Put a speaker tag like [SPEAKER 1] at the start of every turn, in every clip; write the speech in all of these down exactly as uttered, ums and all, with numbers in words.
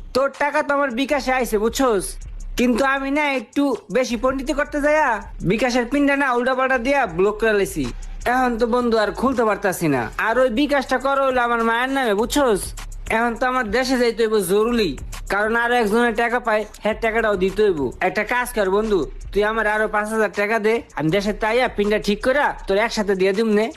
[SPEAKER 1] তোর টাকা তো আমার বিকাশে আইছে বুঝছস, কিন্তু আমি না একটু বেশি পণ্ডিতি করতে যাইয়া বিকাশের পিনটা না উল্টা পাল্টা দিয়া ব্লক করে লেছি। এখন তো বন্ধু আর খুলতে পারতাছি না। আর ওই বিকাশটা করো হইলো আমার মায়ের নামে বুঝছস। এখন তো আমার দেশে যাইতে হইব জরুরি, কারণ আরো একজনের টাকা পায়, হ্যাঁ টাকাটাও দিতে হইব। একটা কাজ কর বন্ধু, তুই আমার আরো পাঁচ হাজার টাকা দে, আমি দেশে তাইয়া পিনটা ঠিক করে তোর একসাথে দিয়ে দিম নে।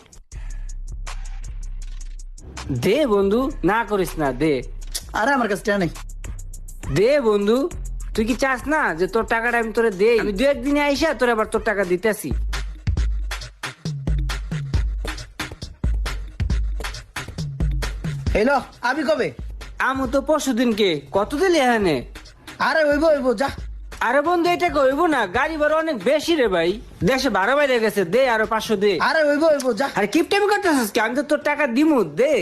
[SPEAKER 1] দে বন্ধু, না করিস না, দে
[SPEAKER 2] আরে আমার কাছে টাকা নেই।
[SPEAKER 1] দে বন্ধু। তুই কি চাস না যে তোর টাকাটা আমি তোরে দেই? আমি দু একদিনে আইসা তোর আবার তোর টাকা দিতেছি।
[SPEAKER 2] হ্যালো, আমি কবে?
[SPEAKER 1] আমু তো পরশু দিনকে কত দিলি এখানে?
[SPEAKER 2] আরে হইব হইব যা।
[SPEAKER 1] আরে বন্ধু এটা কইব না, গাড়ি ভাড়া অনেক বেশি রে ভাই, দেশে ভাড়া বাইরে গেছে, দে আরো পাঁচশো দে।
[SPEAKER 2] আরে হইব হইব যা।
[SPEAKER 1] আরে কিপটামি করতেছিস কি? আমি তো তোর টাকা দিমু, দে।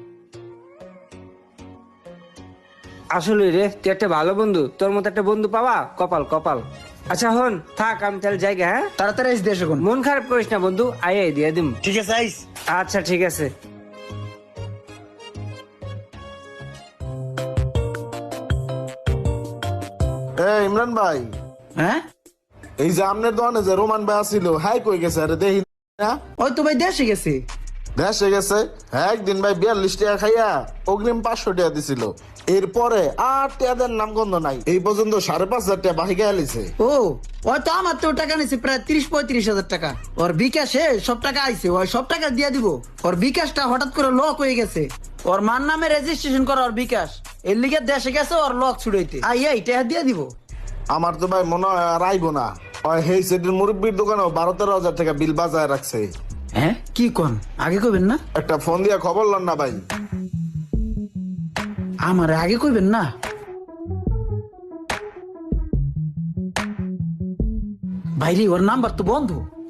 [SPEAKER 1] আসলে রে তুই একটা ভালো বন্ধু, তোর মতো একটা বন্ধু পাওয়া কপাল কপাল। আচ্ছা হন থাক, আমি তাহলে জায়গা, হ্যাঁ
[SPEAKER 2] তাড়াতাড়ি এসে দেশ এখন।
[SPEAKER 1] মন খারাপ করিস না বন্ধু, আয় আয় দিয়ে দিম।
[SPEAKER 2] ঠিক আছে আইস।
[SPEAKER 1] আচ্ছা ঠিক আছে।
[SPEAKER 3] এ ইমরান ভাই,
[SPEAKER 2] হ্যাঁ
[SPEAKER 3] এই যে আমনের দোকানে যে রোমান ভাই আসিল, হাই কই গেছে? আরে দেখি না,
[SPEAKER 2] ওই তো ভাই দেশে গেছে।
[SPEAKER 3] দেশে গেছে। হ্যাঁ একদিন ভাই বিয়াল্লিশ টাকা খাইয়া অগ্রিম পাঁচশো টাকা দিছিল, এরপরে আর টাকাদের নাম গন্ধ নাই। এই পর্যন্ত সাড়ে পাঁচ হাজার টাকা বাহি গেছে।
[SPEAKER 2] ও ওই তো আমার তো টাকা নিছে প্রায় তিরিশ পঁয়ত্রিশ হাজার টাকা। ওর বিকাশে সব টাকা আইছে, ওই সব টাকা দিয়ে দিব। ওর বিকাশটা হঠাৎ করে লক হয়ে গেছে। ওর মার নামে রেজিস্ট্রেশন করা ওর বিকাশ, এর লিগে দেশে গেছে ওর লক ছুড়াইতে। আই এই টাকা দিয়ে দিব।
[SPEAKER 3] আমার তো ভাই মনে হয় আর আইবো না। ওই হেই সেটির মুরব্বীর দোকানেও বারো তেরো হাজার টাকা বিল বাজায় রাখছে।
[SPEAKER 2] হ্যাঁ কি কোন? আগে কইবেন না?
[SPEAKER 3] একটা ফোন দিয়া খবর লন না ভাই।
[SPEAKER 2] আমার আগে কইবেন না? ভাইরে ওর নাম্বার তো বন্ধ।